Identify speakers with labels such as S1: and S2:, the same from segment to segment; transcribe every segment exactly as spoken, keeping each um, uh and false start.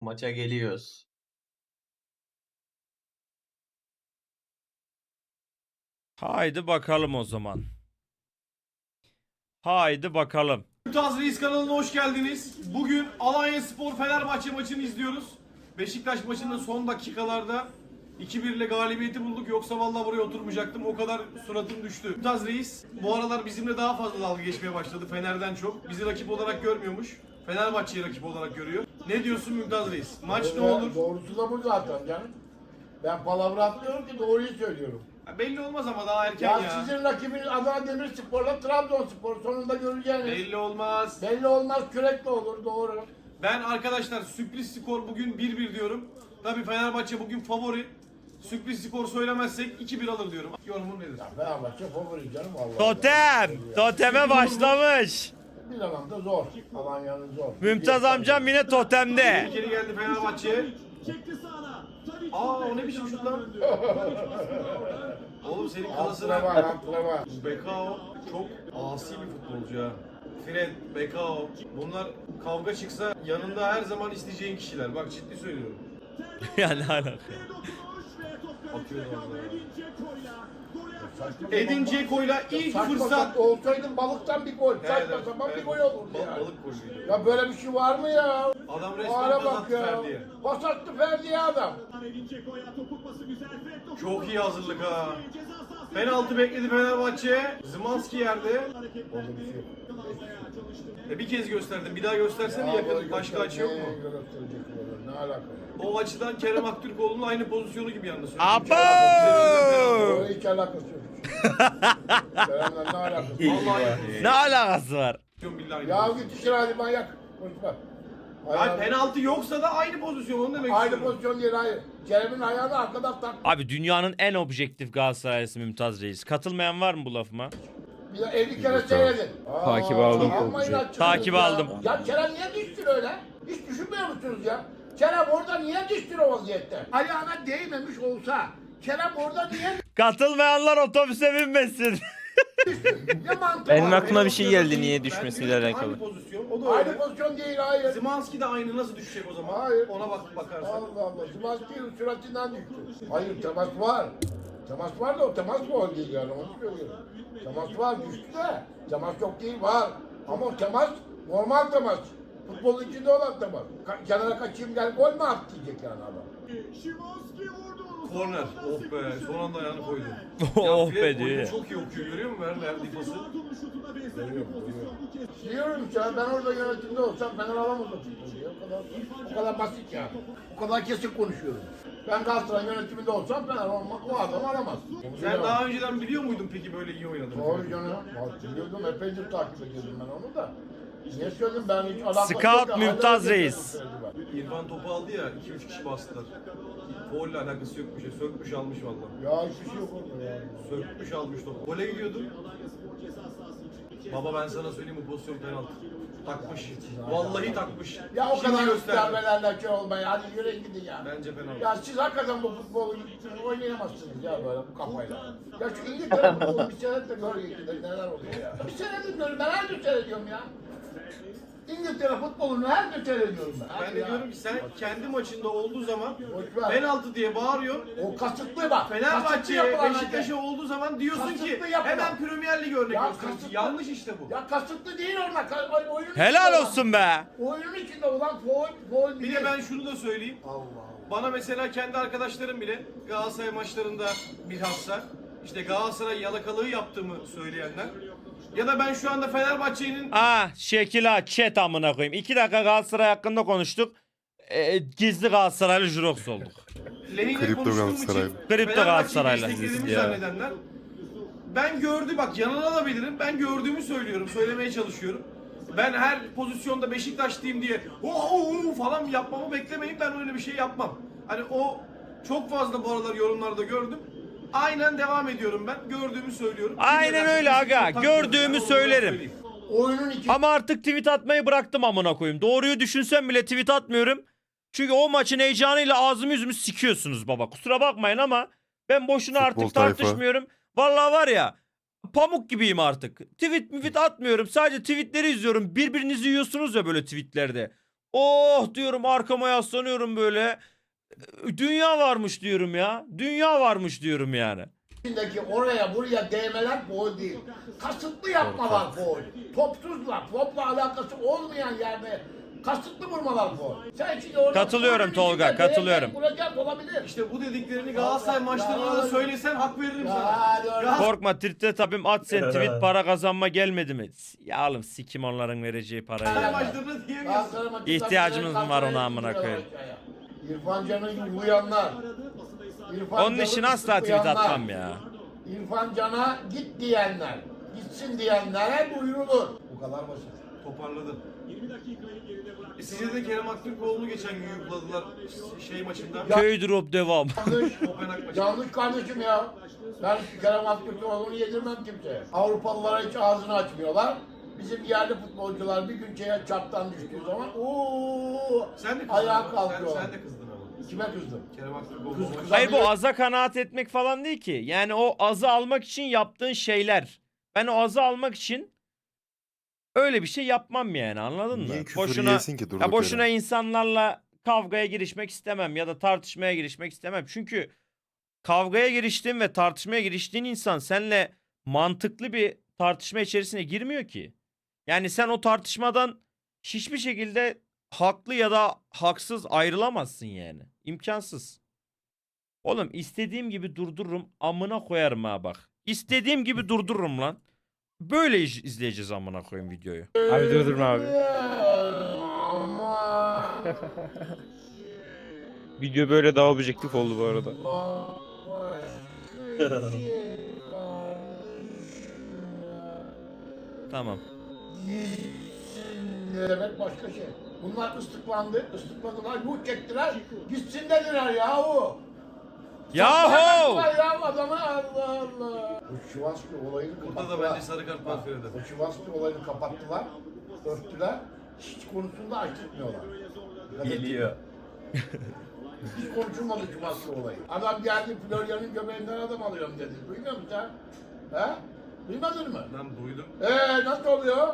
S1: Maça geliyoruz.
S2: Haydi bakalım o zaman. Haydi bakalım.
S3: Mümtaz Reis kanalına hoş geldiniz. Bugün Alanyaspor Fenerbahçe maçını izliyoruz. Beşiktaş maçının son dakikalarda iki bir ile galibiyeti bulduk. Yoksa vallahi buraya oturmayacaktım. O kadar suratım düştü. Mümtaz Reis bu aralar bizimle daha fazla dalga geçmeye başladı. Fener'den çok. Bizi rakip olarak görmüyormuş. Fenerbahçe'yi rakip olarak görüyor. Ne diyorsun Mümtaz Reis? Maç ne olur?
S4: Doğrusu da bu zaten canım. Ben palavra atmıyorum ki doğruyu söylüyorum.
S3: Ya belli olmaz ama daha erken
S4: Ya,
S3: ya.
S4: sizin rakibiniz Adana Demirspor'la Trabzonspor sonunda göreceğiniz.
S3: Belli olmaz.
S4: Belli olmaz, kürekle olur, doğru.
S3: Ben arkadaşlar sürpriz skor bugün bir bir diyorum. Tabii Fenerbahçe bugün favori. Sürpriz skor söylemezsek iki bir alır diyorum. Yorumun nedir?
S4: Ya Fenerbahçe favori canım Allah.
S2: Totem. Toteme başlamış.
S4: Bir da zor. Alanya'nın zor.
S2: Mümtaz amcam yine totemde.
S3: Bir kere geldi Fenerbahçe. Aa o ne biçim şut lan? Oğlum senin kalasına...
S4: Antrenman, antrenman.
S3: Bekao çok asi bir futbolcu ha. Fred, Bekao. Bunlar kavga çıksa yanında her zaman isteyeceğin kişiler. Bak ciddi söylüyorum.
S2: Ya ne alaka?
S3: Atıyor orada.
S4: Saçma
S3: Edin
S4: sapan-
S3: Dzeko'yla ilk
S4: Saçma
S3: fırsat.
S4: sapan olsaydın balıktan bir gol. Saçma sapan bir gol olurdu
S3: Bal-
S4: yani.
S3: Balık golüydü.
S4: Ya böyle bir şey var mı ya?
S3: Adam
S4: O
S3: resmen
S4: ara
S3: pas
S4: bak
S3: attı
S4: ya.
S3: Ferdi'ye.
S4: Pas attı Ferdi'ye adam.
S3: Çok iyi hazırlık ha. Penaltı bekledi Fenerbahçe. Zımanski yerde.
S4: Orada bir şey yok.
S3: E bir kez gösterdim. Bir daha göstersene yakın. Başka açı yok mu?
S4: Ne alaka?
S3: O açıdan Kerem Aktürkoğlu'nun aynı pozisyonu gibi yalnız.
S2: Abo!
S4: Orada hiç alakası yok. Kerem'le ne alakası var?
S3: Vallahi
S2: Ne alakası var?
S3: billahi.
S4: Ya git işine hadi manyak. Konuşma.
S3: Hayır, penaltı yoksa da aynı pozisyon onu demek
S4: Aynı
S3: istiyorum.
S4: pozisyon değil hayır. Kerem'in ayağını arkadan tak.
S2: Abi dünyanın en objektif Galatasaraylısı Mümtaz Reis. Katılmayan var mı bu lafıma?
S4: Bir de elli kere seyredin.
S5: Takip aldım.
S4: Yapmayın açıkçası
S2: Takip
S4: ya.
S2: aldım.
S4: Ya Kerem niye düştün öyle? Hiç düşünmüyor musunuz ya? Kerem orada niye düştün o vaziyette? Ayağına değmemiş olsa Kerem orada niye
S2: Katılmayanlar otobüse binmesin.
S4: ne mantığı
S5: Benim
S4: var?
S5: aklıma bir şey geldi niye
S3: Ben
S5: düşmesiyle
S3: diyorum ki
S5: alakalı.
S3: Aynı pozisyon. O da
S4: Aynı
S3: öyle.
S4: pozisyon değil hayır.
S3: Zımanski de aynı nasıl düşecek o zaman?
S4: Hayır.
S3: Ona bak bakarsan.
S4: Allah Allah. Sivas'ın süratinden düştü. Hayır temas var. Temas var da o temas gol değil yani onu söylüyorum. Temas var düştü de temas yok değil var. Ama o temas normal temas. Futbolun içinde olan temas. Ka- kenara kaçayım gel gol mü at diyecek yani adam.
S3: Korner. Oh be. Son anda ayağını koydu.
S2: Oh
S3: Fred
S2: be diyor
S3: oyunu
S2: ya.
S3: çok iyi okuyor görüyor musun? Ver verdiği pası.
S4: Diyorum ya ben orada yönetimde olsam Fener alamaz o futbolu ya. O kadar, o kadar basit yani. O kadar kesin konuşuyorum. Ben Galatasaray yönetiminde olsam Fener olmak o adam alamaz.
S3: Sen daha önceden biliyor muydun peki böyle iyi oynadığını?
S4: Doğru canım. Bak biliyordum epeydir takip ediyordum ben onu da. Niye söyledim ben hiç alakası
S2: Scout
S4: yok ya,
S2: Mümtaz
S4: hala
S2: Reis.
S4: söylediler.
S3: İrfan topu aldı ya iki üç kişi bastılar. Folle alakası yok bir şey. Sökmüş almış vallahi.
S4: Ya hiçbir şey yok orada ya.
S3: Sökmüş almış topu. Gole gidiyordum. Baba ben sana söyleyeyim bu pozisyon penaltı. Takmış. Vallahi takmış.
S4: Ya o
S3: Şimdi
S4: kadar
S3: gösterdi.
S4: göstermelerle şey olmayın. Hadi yürüyün gidin ya.
S3: Bence penaltı.
S4: Ya siz hakikaten bu futbolu oynayamazsınız ya böyle bu kafayla. Ya şu İngiltere futbolu bir senedir görüyor neler oluyor ya. Bir senedir görüyorum ben her gün seyrediyorum ya. İngiltere futbolunu her gün seyrediyorum ben.
S3: Ben
S4: Hadi
S3: de
S4: ya.
S3: diyorum ki sen kendi maçında olduğu zaman
S4: Boş ver.
S3: penaltı diye bağırıyorsun.
S4: O kasıtlı bak. kasıtlı
S3: Fenerbahçe'ye,
S4: yapılan
S3: Beşiktaş'a
S4: hareket.
S3: olduğu zaman diyorsun ki
S4: Kasıtlı yapılan.
S3: hemen Premier Lig örnek
S4: Ya
S3: gösteriyorsun.
S4: kasıtlı-
S3: Yanlış işte bu.
S4: Ya kasıtlı değil orada. Ka- Oyunun içinde
S2: Helal
S4: olan-
S2: olsun be.
S4: Oyunun içinde olan foul, foul
S3: Bir
S4: değil.
S3: de ben şunu da söyleyeyim.
S4: Allah Allah.
S3: Bana mesela kendi arkadaşlarım bile Galatasaray maçlarında bilhassa işte Galatasaray yalakalığı yaptığımı söyleyenler ya da ben şu anda Fenerbahçe'nin
S2: Ah şekil ha chat amına koyayım. İki dakika Galatasaray hakkında konuştuk. Ee, gizli Galatasaraylı Jurox olduk.
S3: lehine
S6: Kripto
S3: konuştuğum
S6: Galatasaraylı.
S3: için
S2: Kripto
S3: Fenerbahçe'yi
S2: Galatasaraylı.
S3: desteklediğimi
S2: Ya.
S3: zannedenler ben gördü bak yanılabilirim ben gördüğümü söylüyorum söylemeye çalışıyorum. Ben her pozisyonda Beşiktaşlıyım diye oh, oh, oh falan yapmamı beklemeyin ben öyle bir şey yapmam. Hani o çok fazla bu aralar yorumlarda gördüm. Aynen devam ediyorum ben. Gördüğümü söylüyorum. Kim
S2: Aynen
S3: ne derse
S2: öyle
S3: desin,
S2: aga.
S3: çok takmıyorum.
S2: Gördüğümü
S3: Ben onu da
S2: söylerim.
S3: söyleyeyim.
S4: Oyunun içinde
S2: Ama artık tweet atmayı bıraktım amına koyayım. Doğruyu düşünsem bile tweet atmıyorum. Çünkü o maçın heyecanıyla ağzımı yüzümü sikiyorsunuz baba. Kusura bakmayın ama ben boşuna
S6: Futbol
S2: artık
S6: tayfa.
S2: tartışmıyorum. Vallahi var ya pamuk gibiyim artık. Tweet tweet atmıyorum. Sadece tweetleri izliyorum. Birbirinizi yiyorsunuz ya böyle tweetlerde. Oh diyorum, arkama yaslanıyorum böyle. Dünya varmış diyorum ya. Dünya varmış diyorum yani.
S4: içindeki oraya buraya değmeler gol değil. Kasıtlı yapmalar gol. Topsuzla, topla alakası olmayan yerde kasıtlı vurmalar gol. Sen şimdi orada
S2: Katılıyorum
S4: golün
S2: Tolga,
S4: içinde
S2: katılıyorum.
S4: değecek, vuracak olabilir.
S3: İşte bu dediklerini Galatasaray
S4: Ya,
S3: maçlarında da
S4: ya.
S3: söylesen hak veririm
S4: Ya,
S3: sana.
S4: doğru.
S3: Ya,
S2: Korkma Tirte tabim, at sen tweet, para kazanma gelmedi mi? Ya oğlum sikim onların vereceği parayı
S3: Galatasaray
S2: ya.
S3: maçlarında diyemiyorsun.
S4: Galatasaray maçında
S2: İhtiyacımız
S4: bile
S2: var ona
S4: Galatasaray'ı
S2: amına
S4: indiriyorlar
S2: koyayım.
S4: aşağıya. İrfan Can'ı uyanlar. İrfan
S2: Onun
S4: Can'ı
S2: için asla tweet
S4: ıslıklayanlar.
S2: atmam ya.
S4: İrfan Can'a git diyenler, gitsin diyenlere duyurulur. Bu kadar basit.
S3: Toparladı. E size de Kerem Aktürkoğlu'nu geçen gün yukladılar şey maçında.
S2: Köy drop devam.
S4: Yanlış,
S3: Kopenhag maçı.
S4: yanlış kardeşim ya. Ben Kerem Aktürkoğlu'nu yedirmem kimseye. Avrupalılara hiç ağzını açmıyorlar. Bizim yerli futbolcular bir gün şeye çaptan düştüğü zaman ooo
S3: Sen de kızdın
S4: ayağa
S3: ama. Sen,
S4: kalkıyorlar.
S3: sen de kızdın ama.
S4: Kime kızdım?
S3: Kerem Aktürkoğlu.
S4: Kız-
S3: o maç-
S4: kız-
S2: Hayır, bu aza kanaat etmek falan değil ki. Yani o azı almak için yaptığın şeyler. Ben o azı almak için öyle bir şey yapmam yani, anladın mı?
S1: Niye küfür
S2: Boşuna
S1: yiyesin ki durduk
S2: ya boşuna
S1: yere?
S2: insanlarla kavgaya girişmek istemem ya da tartışmaya girişmek istemem. Çünkü kavgaya giriştiğin ve tartışmaya giriştiğin insan seninle mantıklı bir tartışma içerisine girmiyor ki. Yani sen o tartışmadan hiçbir şekilde haklı ya da haksız ayrılamazsın yani. İmkansız. Oğlum istediğim gibi durdururum, amına koyarım ha bak. İstediğim gibi durdururum lan. Böyle iz- izleyeceğiz amına koyayım videoyu.
S5: Abi durdurma abi.
S4: Ama.
S5: Video böyle daha objektif oldu bu arada.
S2: Tamam.
S4: Ne demek başka şey. Bunlar ıslıklandı, ıslıkladılar, yuh çektiler, gitsin dediler yahu.
S2: Yahu!
S4: Yaptılar ya adamı, Allah Allah. Bu Şivaski olayını
S3: Burada
S4: kapattılar.
S3: da bence sarı kart var Feride.
S4: Bu Şivaski olayını kapattılar, örttüler, hiç konusunda açıkmıyorlar.
S3: Geliyor.
S4: Hiç konuşulmadı Şivaski olayı. Adam geldi Florya'nın göbeğinden adam alıyorum dedi. Duymuyor musun sen? He? Duymadın mı?
S3: Ben duydum.
S4: Eee nasıl oluyor?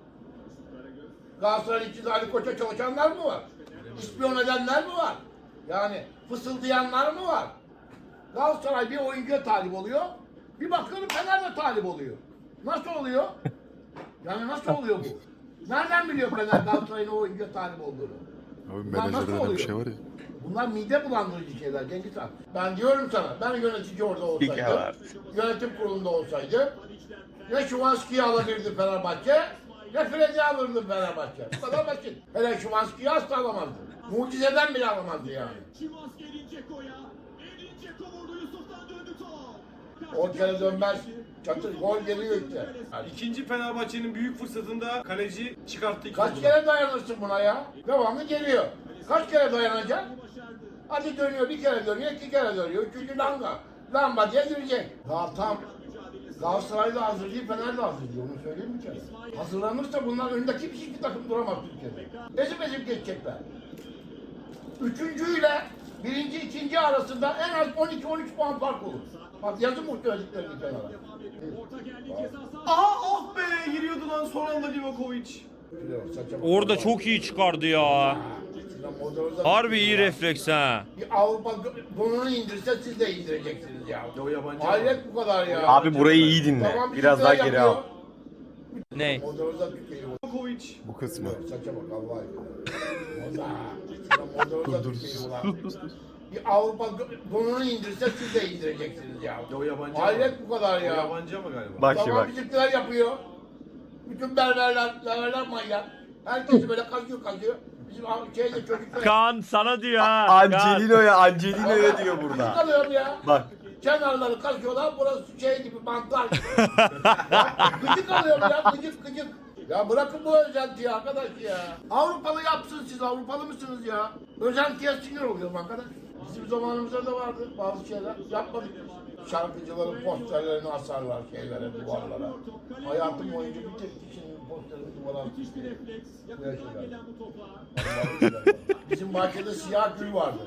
S4: Galatasaray içinde Ali Koç'a çalışanlar mı var? İspiyon edenler mi var? Yani fısıldayanlar mı var? Galatasaray bir oyuncuya talip oluyor. Bir bakıyorum Fener de talip oluyor. Nasıl oluyor? Yani nasıl oluyor bu? Nereden biliyor Fener Galatasaray'ın o oyuncuya talip olduğunu?
S1: Abi
S4: Bunlar nasıl
S1: menajerde öyle bir
S4: oluyor?
S1: şey var ya.
S4: Bunlar mide bulandırıcı şeyler Cengiz Han. Ben diyorum sana, ben yönetici orada olsaydım, yönetim kurulunda olsaydı, ne Şuvanski'yi alabilirdi Fenerbahçe, ne Fred'i alırdı Fenerbahçe. Bu kadar basit. Hele Şuvanski'yi asla alamazdı. Mucizeden bile alamazdı yani.
S6: Şimanski Edin Dzeko'ya. Edin Dzeko vurdu, Yusuf'tan döndü top.
S4: O kere dönmez. Çatır gol geliyor işte. Yani
S3: İkinci Fenerbahçe'nin büyük fırsatında kaleci çıkarttı. iki
S4: kaç
S3: topu.
S4: kere dayanırsın buna ya? Devamlı geliyor. Kaç kere dayanacak? Hadi dönüyor, bir kere dönüyor, iki kere dönüyor. Üçüncü lamba. Lamba diye girecek. Daha tam Galatasaray da hazır değil, Fener de hazır değil. Onu söyleyeyim mi canım? Hazırlanırsa bunlar önündeki hiçbir takım duramaz Türkiye'de. Ezip ezip geçecekler. Üçüncüyle birinci, ikinci arasında en az on iki on üç puan fark olur. Bak yazın bu söylediklerini kenara.
S6: Orta geldi ceza sahası.
S3: Aha oh be giriyordu lan son anda Livakovic.
S2: Orada çok iyi çıkardı ya. Harbi iyi refleks ha.
S4: Bir Avrupa donunu indirse siz de indireceksiniz ya.
S3: Ya o yabancı.
S4: Hayret bu kadar ya.
S5: Abi burayı iyi dinle.
S4: Tamam,
S5: Biraz daha
S4: bizimkiler
S5: geri al.
S4: yapıyor.
S2: Ne?
S4: Modernize Türkiye'yi
S3: Livakovic.
S1: Bu kısmı.
S4: saça bak Allah aşkına. Modernize Türkiye'yi ulan. Bir Avrupa donunu indirse siz de indireceksiniz ya.
S3: Ya o yabancı.
S4: Hayret
S3: ama.
S4: bu kadar
S3: O
S4: ya.
S3: yabancı ama galiba.
S5: Bak şimdi
S4: Tamam
S5: bak.
S4: bizimkiler yapıyor. Bütün berberler, berberler manyak. Herkesi böyle kazıyor kazıyor. Bizim şeyde çocuklar
S2: Kaan sana diyor ha. Kaan.
S5: Angelino'ya Angelino'ya diyor
S4: gıcık
S5: burada.
S4: alıyorum ya.
S5: Bak.
S4: Kenarları kazıyorlar, burası şey gibi mantar gibi. Ya, gıcık alıyorum ya, gıcık gıcık. Ya bırakın bu özentiyi arkadaş ya. Avrupalı yapsın siz, Avrupalı mısınız ya? Özentiye sinir oluyorum arkadaş. Bizim zamanımızda da vardı bazı şeyler. Yapmadık biz. Şarkıcıların posterlerini asarlar şeylere, duvarlara. Hayatım boyunca bir tek kişinin posterini duvara
S6: Müthiş bir
S4: asıyor.
S6: refleks.
S4: Böyle
S6: Yakından
S4: şeyler.
S6: gelen bu topa.
S4: Bizim bahçede siyah gül vardı.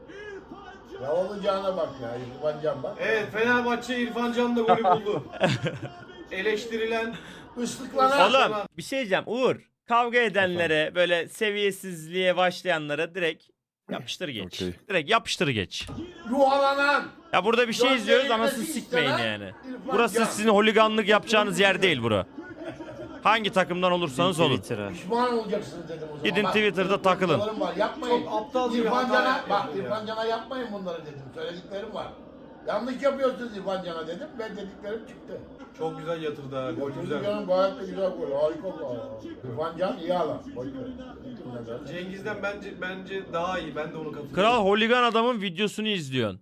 S4: Ya olacağına bak ya, İrfan Can bak.
S3: Evet Fenerbahçe İrfan Can da golü buldu. Eleştirilen
S4: Islıklanan.
S2: Oğlum bir şey diyeceğim Uğur. kavga edenlere, böyle seviyesizliğe başlayanlara direkt yapıştır geç.
S5: Okey.
S2: Direkt yapıştır geç.
S4: Yuhalanan.
S2: Ya burada bir şey izliyoruz,
S4: Gözlerini
S2: anasını
S4: nefis
S2: sikmeyin
S4: istemem,
S2: yani.
S4: İrfan
S2: Burası
S4: Can.
S2: sizin holiganlık yapacağınız yer değil bura. Hangi takımdan olursanız olun.
S4: Pişman olacaksınız dedim o zaman.
S2: Gidin
S4: Bak,
S2: Twitter'da takılın.
S4: söylediklerim Var. Yapmayın.
S3: Çok aptalca bir
S4: İrfan
S3: hata
S4: Can'a,
S3: yapıyor
S4: bak
S3: ya.
S4: İrfan Can'a yapmayın bunları dedim. Söylediklerim var. Yanlış yapıyorsunuz İrfan Can'a dedim ve dediklerim çıktı.
S3: Çok güzel yatırdı ha.
S4: O
S3: Güzel.
S4: çocuk Can'ın gayet de güzel gol. Harika gol. İrfan Can iyi alan. Boş ver.
S3: Cengiz'den bence bence daha iyi. Ben de onu katılıyorum.
S2: Kral holigan adamın videosunu izliyorsun.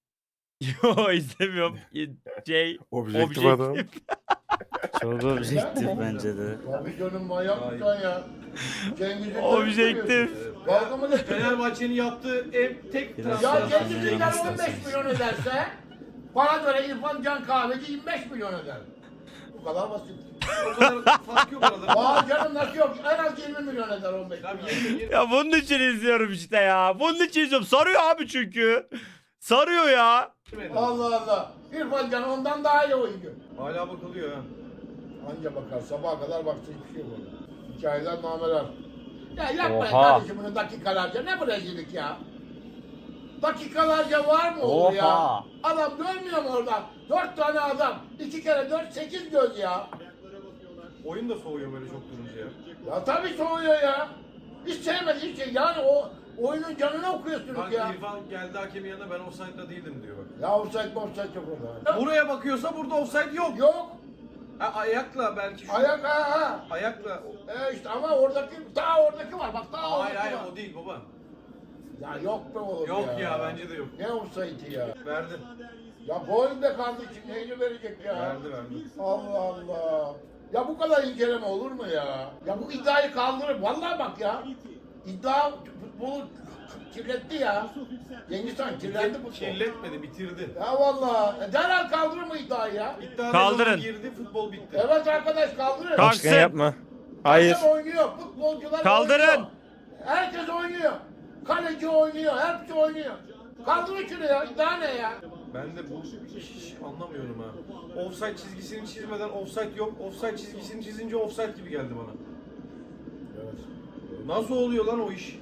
S2: Yo izlemiyorum. Şey,
S5: Objektif adam.
S1: Çok objektif bence de.
S4: Tabii canım manyak mısın ya? Cengiz'in
S2: Objektif.
S4: Dalga mı geçiyorsun?
S3: Fenerbahçe'nin yaptığı en tek
S1: Biraz
S4: Ya
S3: transfer.
S1: daha-
S4: Cengiz'den
S1: Cengiz
S4: on beş milyon ederse bana göre İrfan Can Kahveci yirmi beş milyon eder. Bu kadar basit.
S3: O kadar fark yok arada.
S4: Vay canım nasıl yok? En az yirmi milyon eder on beş
S3: Tamam,
S4: milyon.
S3: yirmi, yirmi.
S2: Ya bunun için izliyorum işte ya. Bunun için izliyorum. Sarıyor abi çünkü. Sarıyor ya.
S4: Allah Allah. İrfan Can ondan daha iyi oyuncu.
S3: Hala bakılıyor ha.
S4: Anca bakar sabaha kadar baksın hiçbir şey yok orada. Hikayeler nameler. Ya yapmayın
S1: Oha.
S4: kardeşim bunu dakikalarca. Ne bu rezillik ya? Dakikalarca var mı olur ya?
S1: Oha.
S4: Adam görmüyor mu orada? Dört tane adam. İki kere dört sekiz göz ya.
S3: Oyun da soğuyor böyle çok durunca ya.
S4: Ya tabii soğuyor ya. Hiç sevmediği şey. Yani o oyunun canını okuyorsunuz
S3: Bak
S4: ya.
S3: İrfan geldi hakemin yanına ben offside'da değildim diyor bak.
S4: Ya offside mi offside yok orada.
S3: Buraya bakıyorsa burada offside yok.
S4: Yok.
S3: Ha, ayakla belki şu.
S4: Ayak ha ha.
S3: Ayakla.
S4: E işte ama oradaki daha oradaki var. Bak daha
S3: Hayır
S4: oradaki
S3: hayır
S4: var.
S3: o değil baba.
S4: Ya yok be oğlum
S3: Yok
S4: ya.
S3: ya, bence de yok.
S4: Ne offside'i ya?
S3: Verdi.
S4: Ya gol be kardeşim neyini verecek ya?
S3: Verdi verdi.
S4: Allah Allah. Ya bu kadar inceleme olur mu ya? Ya bu iddiayı kaldırır. Vallahi bak ya. İddia futbolu kirletti ya. Cengiz Han kirlendi futbol.
S3: Kirletmedi, bitirdi.
S4: Ya vallahi. E, derhal kaldırır mı iddiayı ya?
S3: İddia
S2: Kaldırın.
S3: girdi, futbol bitti.
S4: Evet arkadaş kaldırır.
S2: Kalk.
S5: Başkan yapma. Hayır.
S4: Herkes oynuyor. Futbolcular
S2: Kaldırın.
S4: oynuyor. Herkes oynuyor. Kaleci oynuyor. Hepsi oynuyor. Kaldırın şunu ya. İddia ne ya?
S3: Ben de bu hiç anlamıyorum ha. Offside çizgisini çizmeden offside yok. Offside çizgisini çizince offside gibi geldi bana.
S4: Evet.
S3: Nasıl oluyor lan o iş?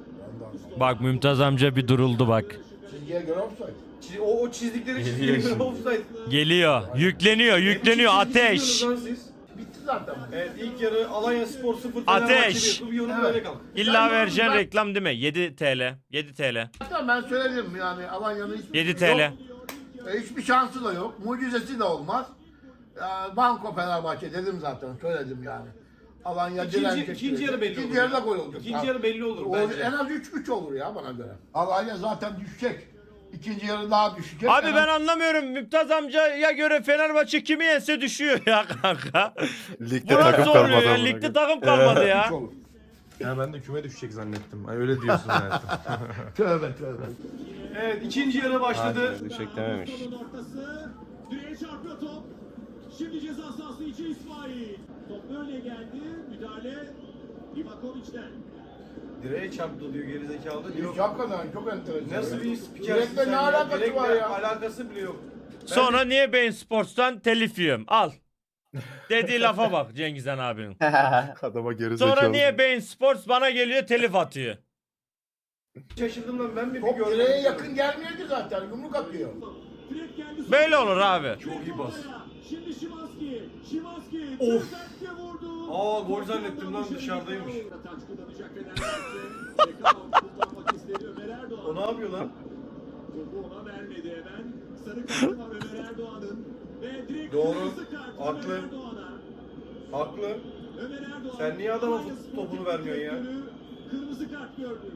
S2: Bak Mümtaz amca bir duruldu bak.
S4: Çizgiye göre offside.
S3: Çiz- O, o çizdikleri çizgiye göre offside.
S2: Geliyor. Yükleniyor. Yükleniyor.
S3: Ne biçim çizgi
S2: Ateş.
S3: çiziyorsunuz lan siz?
S4: Bitti zaten. bu.
S3: Evet ilk yarı Alanya Spor sıfır
S2: Ateş.
S3: bir. Bu yorum
S4: Evet.
S3: böyle kalk.
S2: İlla
S4: Ben-
S2: vereceğin
S4: ben-
S2: reklam değil mi? yedi TL. yedi TL.
S4: Zaten ben söyledim yani Alanya'nın hiçbir
S2: yedi
S4: yok.
S2: TL.
S4: E, hiçbir şansı da yok. Mucizesi de olmaz. Ya, Banko Fenerbahçe dedim zaten söyledim yani. Alanya
S3: İkinci-
S4: direnecek.
S3: ikinci yarı belli
S4: İkinci
S3: olur
S4: yarıda
S3: ya.
S4: gol olacak.
S3: İkinci yarı belli olur
S4: O-
S3: bence.
S4: En az üç üç olur ya bana göre. Alanya zaten düşecek. İkinci yarı daha düşecek.
S2: Abi
S4: En
S2: ben
S4: az-
S2: anlamıyorum. Mümtaz amcaya göre Fenerbahçe kimi yense düşüyor ya kanka.
S5: Ligde
S2: Bu
S5: takım
S2: nasıl oluyor
S5: kalmadı.
S2: ya?
S5: amına
S2: Ligde
S5: koyayım.
S2: takım kalmadı ya.
S4: Üç olur.
S7: Ya ben de küme düşecek zannettim. Ay öyle diyorsun zaten.
S4: Tövbe tövbe.
S3: Evet ikinci yarı başladı.
S5: Hadi, düşecek dememiş.
S6: Topun ortası. Direğe çarpıyor top. Şimdi ceza sahası içi İsmail. Top böyle geldi. Müdahale Livakovic'den.
S3: Direğe çarptı diyor gerizekalı diyor.
S4: Hiç hakikaten çok enteresan.
S3: Nasıl
S4: ya.
S3: bir spikersin
S4: Direkle
S3: sen
S4: ne
S3: ya?
S4: alakası
S3: Direkle
S4: var ya?
S3: alakası bile yok. Ben
S2: Sonra niye Bein Sports'tan telif yiyorum? Al. Dediği lafa bak Cengizhan abinin.
S5: Adama geri zekalı.
S2: Sonra niye Bein Sports bana geliyor telif atıyor?
S3: şaşırdım lan ben mi bir
S4: Top
S3: görmedim.
S4: direğe yakın gelmiyor ki zaten. Yumruk atıyor.
S6: Fred geldi.
S2: Böyle olur abi.
S3: Çok iyi bas.
S6: Şimdi Şimanski. Şimanski.
S3: Of.
S6: Sertçe vurdu.
S3: Aa, gol zannettim lan, dışarıdaymış.
S6: Taç kullanacak Fenerbahçe. Bekao kullanmak istedi Ömer Erdoğan.
S3: O ne yapıyor lan?
S6: Topu ona vermedi hemen. Sarı kartı var Ömer Erdoğan'ın. Ve direkt
S3: Doğru.
S6: kırmızı kart
S3: Haklı.
S6: Ömer Erdoğan'a.
S3: Haklı.
S6: Ömer Erdoğan.
S3: Sen niye adama
S6: Alanya
S3: fut-
S6: Spor
S3: topunu
S6: Teknik
S3: vermiyorsun ya?
S6: Direktörü Kırmızı kart gördü.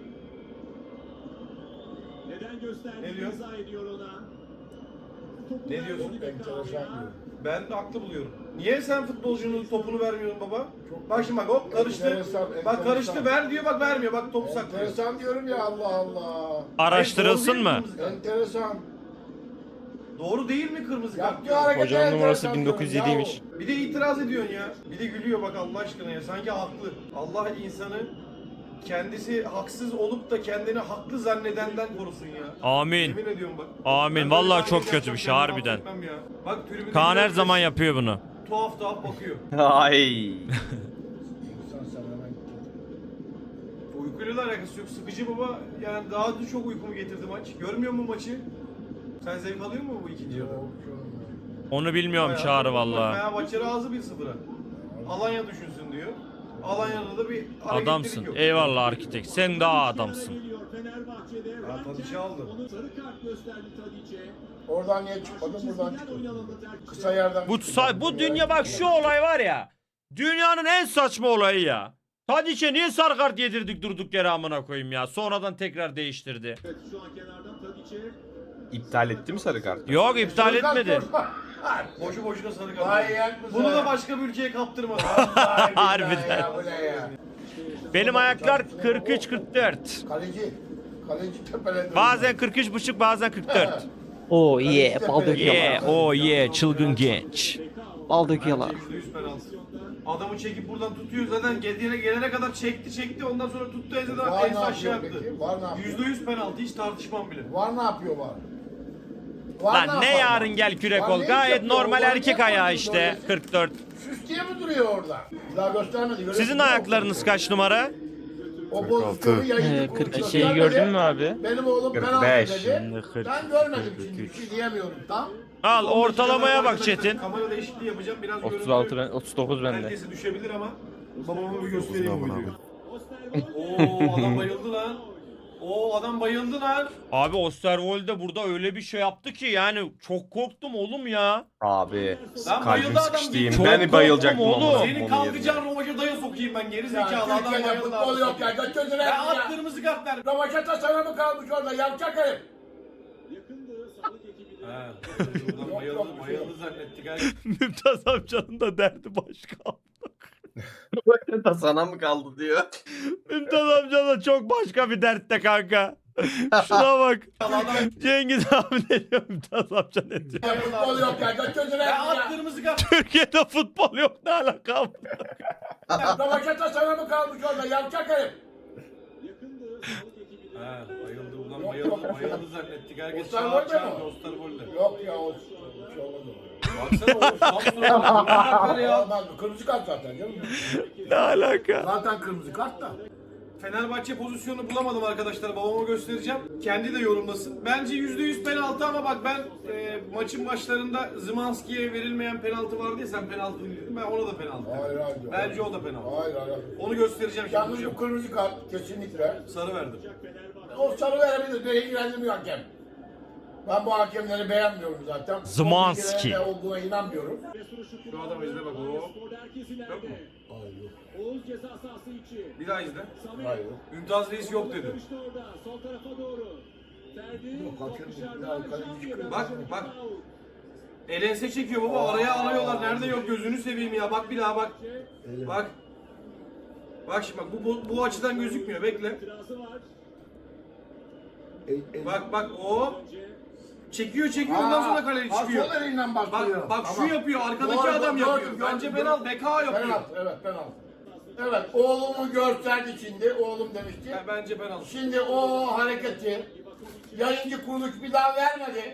S6: Neden gösterdi?
S3: Ne diyor?
S6: İzah ediyor ona. Topu
S3: Ne diyorsun?
S6: verdi
S4: Enteresan
S6: Bekao'ya.
S4: diyor.
S3: Ben de haklı buluyorum. Niye sen futbolcunun topunu vermiyorsun baba? Bak şimdi bak hop karıştı.
S4: Enteresan,
S3: Bak
S4: enteresan.
S3: karıştı ver diyor bak vermiyor bak topu saklıyor.
S4: Enteresan diyorum ya Allah Allah.
S2: Araştırılsın mı?
S4: Enteresan.
S3: Doğru değil mi kırmızı kart?
S4: Yaptığı hareket
S5: Hocanın numarası
S4: enteresan
S5: bin dokuz yüz
S4: diyorum
S5: yediymiş.
S4: ya.
S3: Bir de itiraz ediyorsun ya. Bir de gülüyor bak Allah aşkına ya. Sanki haklı. Allah insanı kendisi haksız olup da kendini haklı zannedenden korusun ya.
S2: Amin.
S3: Yemin ediyorum bak.
S2: Amin.
S3: Ben
S2: Vallahi
S3: böyle
S2: çok
S3: hareket
S2: kötü bir şey,
S3: yapsam
S2: harbiden.
S3: affetmem ya. Bak tribünde
S2: Kaan her
S3: herkes
S2: zaman yapıyor bunu.
S3: tuhaf tuhaf bakıyor.
S1: Ay.
S4: İnsan sen hemen
S3: uykuyla da alakası yok. Sıkıcı baba. Yani daha da çok uykumu getirdi maç. Görmüyor musun maçı? Sen zevk alıyor musun bu ikinci yarıda?
S2: Onu bilmiyorum Çağrı valla.
S3: Fenerbahçe razı bir sıfıra. Alanya düşünsün diyor. Alanya'da da bir hareketlilik
S2: Adamsın.
S3: yok.
S2: Eyvallah arkitekt. Sen daha adamsın.
S6: Fenerbahçe'de
S3: Ya Tadic'i aldı.
S6: onu sarı kart gösterdi Tadic'e.
S4: Oradan niye çıkmadın? Buradan
S6: Çizgiden
S4: çıkmadın.
S6: oynananı tercih
S4: Kısa yerden
S2: Bu
S4: çıkmadın.
S2: sa- bu dünya bak şu olay var ya. Dünyanın en saçma olayı ya. Tadiç'e niye sarı kart yedirdik durduk yere amına koyayım ya. Sonradan tekrar değiştirdi.
S6: Evet, şu an kenardan Tadic'e.
S7: İptal etti mi sarı kartı?
S2: Yok iptal etmedi.
S3: Boşu boşuna sarı
S4: Vay
S3: kart.
S4: yak mısın?
S3: Bunu da başka bir ülkeye kaptırmadı.
S4: Vallahi billahi
S2: Harbiden.
S4: ya, bu ne ya?
S2: Benim ayaklar kırk üç kırk dört.
S4: Kaleci. Kaleci tepeledi.
S2: Bazen kırk üç buçuk bazen kırk dört.
S8: Oo yeah, bal döküyorlar.
S2: Yeah, oh yeah, çılgın genç.
S8: Bal döküyorlar.
S3: yüzde yüz penaltı. Adamı çekip buradan tutuyor zaten gelene, gelene kadar çekti çekti ondan sonra tuttu ezeden
S4: Var ne
S3: en aşağı
S4: yapıyor
S3: attı.
S4: peki? Var ne yapıyor?
S3: yüzde yüz penaltı hiç tartışmam bile.
S4: Var ne yapıyor var? Var
S2: Lan ne
S4: yapar
S2: yarın
S4: var?
S2: gel kürek
S4: Var
S2: ol.
S4: ne iş
S2: Gayet
S4: yapıyor?
S2: normal
S4: Var
S2: erkek
S4: ne
S2: ayağı
S4: yapıyor
S2: işte.
S4: böylesi?
S2: kırk dört.
S4: Süs diye mi duruyor orada? Bir daha göstermedi. görüyor
S2: Sizin
S4: musun?
S2: ayaklarınız kaç numara?
S4: O
S5: kırk altı.
S4: pozisyonu yayıncı
S8: Ee,
S4: kurulu
S8: kırk iki
S4: göstermedi.
S8: gördün mü abi?
S4: Benim oğlum
S7: kırk
S4: penaltı
S7: beş.
S4: dedi.
S1: Şimdi kırk
S4: Ben
S1: iki,
S4: görmedim
S1: kırk
S4: şimdi. Bir
S1: üç.
S4: şey diyemiyorum tam.
S2: Al ortalamaya bak
S3: Arkadaşlar,
S2: Çetin.
S3: Kamera değişikliği yapacağım biraz
S8: otuz altı
S3: görüntü
S8: ben, otuz dokuz bende.
S3: herkese düşebilir ama babama bir göstereyim bu
S5: Aman
S3: videoyu.
S5: abi.
S3: Oo adam bayıldı lan. Oo adam bayıldı lan.
S2: Abi Osterwolde burada öyle bir şey yaptı ki yani çok korktum oğlum ya.
S7: Abi
S3: Lan
S7: kalbim
S3: bayıldı adam.
S7: sıkıştı.
S2: Çok
S7: Ben bayılacaktım
S2: korktum
S7: ama.
S2: oğlum.
S3: Senin kalkacağın rovaşa daya sokayım ben geri
S4: Ya
S3: zekalı adam
S4: Türkiye'de
S3: bayıldı
S4: futbol
S3: abi.
S4: yok ya. Götürdüler
S3: Ya
S4: ya.
S3: at kırmızı kart ver.
S4: Rövaşata sana mı kalmış orada? Yavşak herif.
S6: Yakındı sağlık ekibi.
S3: He. Ulan bayıldı, bayıldı zannettik. ha.
S2: Mümtaz amcanın da derdi başka.
S7: da sana mı kaldı diyor.
S2: Mümtaz amca da çok başka bir dertte kanka. Şuna bak.
S3: Adam
S2: Cengiz abi ne diyor Mümtaz amca ne diyor?
S4: Ya futbol yok ya. Götürdüler
S3: ya at
S4: ya.
S3: kırmızı kart.
S2: Türkiye'de futbol yok ne alaka?
S4: Rövaşata sana mı kalmış orada? Yavşak herif.
S6: Yakındı sağlık ekibi.
S3: He bayıldı ulan
S4: Yok,
S3: bayıldı
S4: yok.
S3: bayıldı zannettik. Herkes
S4: Osterwolde
S3: çağır
S4: mi
S3: çağırdı
S4: o?
S3: Osterwolde.
S4: Yok ya o bir şey olmaz o.
S3: Baksana o Samsun'a bak. Kırmızı kart ya.
S4: Olmaz. Kırmızı kart zaten canım.
S2: Ne alaka?
S4: Zaten kırmızı kart da.
S3: Fenerbahçe pozisyonu bulamadım arkadaşlar. Babama göstereceğim. Kendi de yorumlasın. Bence yüzde yüz penaltı ama bak ben e, maçın başlarında Zımanski'ye verilmeyen penaltı vardı ya sen penaltı dedim. Ben ona da penaltı.
S4: Hayır hayır.
S3: Bence o da penaltı.
S4: Hayır hayır.
S3: Onu göstereceğim
S4: Yalnız
S3: şimdi.
S4: bu kırmızı kart kesinlikle.
S3: Sarı verdim.
S4: O sarı verebilir. Beni ilgilendirmiyor hakem. Ben bu hakemleri beğenmiyorum zaten.
S2: Zımanski.
S4: Son bilgilerine olduğuna inanmıyorum.
S3: Şu adam izle bak o.
S6: Sporda herkes ileride.
S3: Yok mu?
S4: Hayır yok.
S6: Oğuz ceza sahası içi.
S3: Bir daha izle.
S6: Samet.
S4: Hayır yok.
S3: Mümtaz Reis yok dedi.
S6: Karıştı orada. Sol tarafa doğru. Ferdi.
S4: Yok,
S6: top
S4: hakem
S6: dışarıda.
S4: yok. Ya, kaleci
S6: Şampiyon.
S4: çıkıyor.
S3: Bak bak. Elense çekiyor baba. Araya arıyorlar. Nerede yok gözünü seveyim ya. Bak bir daha bak. Bak. Bak şimdi bak bu, bu, bu açıdan gözükmüyor. Bekle.
S6: İtirazı var.
S4: El- el-
S3: Bak bak o. Çekiyor çekiyor ondan sonra kaleci
S4: Ha,
S3: çıkıyor.
S4: sol elinden başlıyor.
S3: Bak bak
S4: Tamam.
S3: şu yapıyor. Arkadaki
S4: Doğru,
S3: adam
S4: gördüm,
S3: yapıyor.
S4: gördüm,
S3: Bence
S4: gördüm.
S3: penaltı. Beka yapıyor.
S4: Penaltı evet penaltı. Evet oğlumu gösterdi şimdi. Oğlum demişti.
S3: Ya, bence penaltı.
S4: Şimdi o hareketi yayıncı kuruluş bir daha vermedi.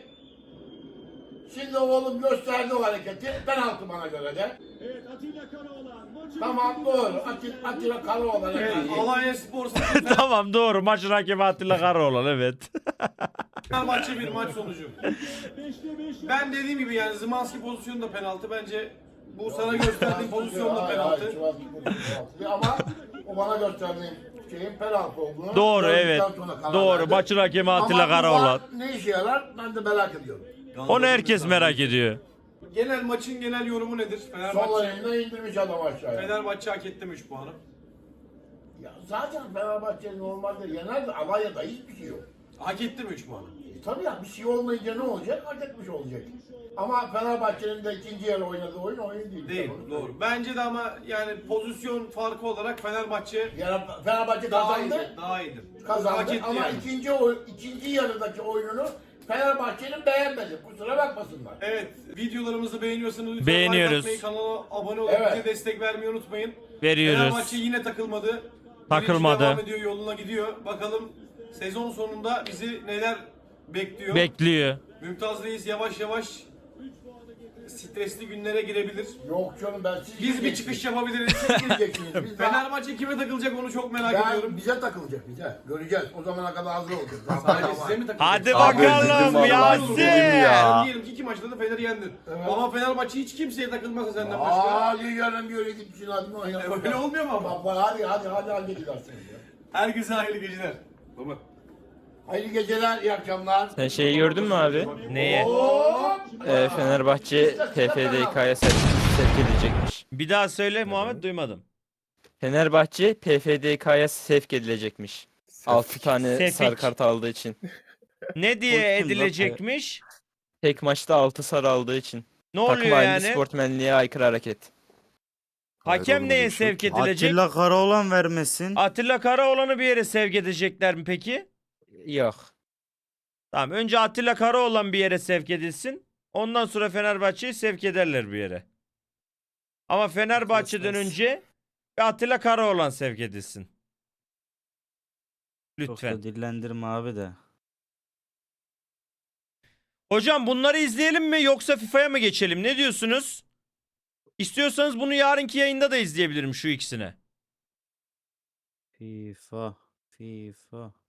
S4: Şimdi oğlum gösterdi o hareketi. Penaltı bana göre de.
S6: Evet Atilla Karaoğlan. Maçı
S4: Tamam doğru. Atilla, Atilla Karaoğlan.
S3: Evet,
S4: Evet,
S3: Alanya Spor
S2: Tamam doğru maçın hakemi Atilla Karaoğlan evet.
S3: Fenerbahçe bir maç sonucu.
S6: beşte beş.
S3: Ben dediğim gibi yani Zımanski pozisyonu da penaltı. Bence bu sana gösterdiğim pozisyon da
S4: Hayır,
S3: penaltı.
S4: hayır, Sivas penaltı. Ama o bana gösterdiği şeyin penaltı olduğunu.
S2: Doğru
S4: gördükten
S2: evet.
S4: sonra karar
S2: Doğru
S4: verdim.
S2: maçın hakemi
S4: Ama
S2: Atilla
S4: bu
S2: Karaoğlan.
S4: var, ne işe yarar ben de merak ediyorum.
S2: Onu herkes merak ediyor.
S3: Genel maçın genel yorumu nedir?
S4: Sol
S3: Fenerbahçe,
S4: elinden indirmiş adam aşağıya.
S3: Fenerbahçe hak etti mi üç puanı?
S4: Ya zaten Fenerbahçe normalde yener de Alanya'da hiçbir şey yok.
S3: Hak etti mi üç puanı?
S4: E, tabii ya bir şey olmayınca ne olacak? Hak etmiş olacak. Ama Fenerbahçe'nin de ikinci yarı oynadığı oyun oyun değil.
S3: Değil,
S4: Onu
S3: doğru. Bence de ama yani pozisyon farkı olarak Fenerbahçe
S4: Yani Fenerbahçe
S3: daha
S4: kazandı.
S3: iyidir. Daha iyidir.
S4: Kazandı
S3: Hak etti
S4: ama
S3: yani.
S4: ikinci oy, ikinci yarıdaki oyununu Fenerbahçe'nin beğenmedi. Kusura bakmasınlar.
S3: Evet, videolarımızı beğeniyorsanız lütfen
S2: Beğeniyoruz.
S3: like atmayı, kanala abone olup
S4: Evet.
S3: bize destek vermeyi unutmayın.
S2: Veriyoruz.
S3: Fenerbahçe yine takılmadı.
S2: Takılmadı.
S3: Devam ediyor, yoluna gidiyor. Bakalım sezon sonunda bizi neler bekliyor.
S2: Bekliyor.
S3: Mümtaz Reis yavaş yavaş stresli günlere girebilir.
S4: Yok canım ben siz
S3: Biz bir
S4: gireceksiniz.
S3: çıkış yapabiliriz.
S4: Siz gireceksiniz. Biz daha-
S3: Fenerbahçe kime takılacak onu çok merak
S4: ben,
S3: ediyorum.
S4: bize takılacak bize. Göreceğiz. O zamana kadar hazır olacağız. Daha
S3: Sadece
S4: daha
S3: size
S4: var.
S3: mi takılacak?
S2: Hadi
S5: Abi
S2: bakalım
S5: dedim
S2: Yasin.
S5: dedim ya.
S3: Diyelim ki iki maçta da Fener'i yendin. Ama Fenerbahçe hiç kimseye takılmasa senden başka.
S4: Hadi yarın bir yere gitmişsin hadi.
S3: Öyle olmuyor mu ama?
S4: Baba hadi hadi hadi hadi gidersiniz ya.
S3: Herkese hayırlı geceler. Baba.
S4: Hayırlı geceler, iyi akşamlar.
S8: Sen şeyi gördün mü abi?
S2: Neye?
S4: Hop!
S8: Ee, Fenerbahçe P F D K'ya sevk sevk edilecekmiş.
S2: Bir daha söyle Muhammed, duymadım.
S8: Fenerbahçe P F D K'ya sevk edilecekmiş. altı tane
S2: Sevk.
S8: sarı kart aldığı için.
S2: Ne diye
S1: Korktun lan.
S2: edilecekmiş?
S8: Tek maçta altı sarı aldığı için.
S2: Ne
S8: Takım
S2: oluyor
S8: halinde
S2: yani?
S8: sportmenliğe aykırı hareket.
S2: Hakem
S5: Hayır,
S2: neye
S5: oğlum,
S2: sevk
S5: şey-
S2: edilecek?
S1: Atilla Karaoğlan vermesin.
S2: Atilla Karaoğlan'ı bir yere sevk edecekler mi peki?
S8: Yok.
S2: Tamam, önce Atilla Karaoğlan bir yere sevk edilsin. Ondan sonra Fenerbahçe'yi sevk ederler bir yere. Ama Fenerbahçe'den
S1: Kesmez.
S2: önce bir Atilla Karaoğlan sevk edilsin.
S1: Çok
S2: Lütfen.
S1: da dillendirme abi de.
S2: Hocam bunları izleyelim mi yoksa FIFA'ya mı geçelim? Ne diyorsunuz? İstiyorsanız bunu yarınki yayında da izleyebilirim şu ikisini.
S1: FIFA. FIFA.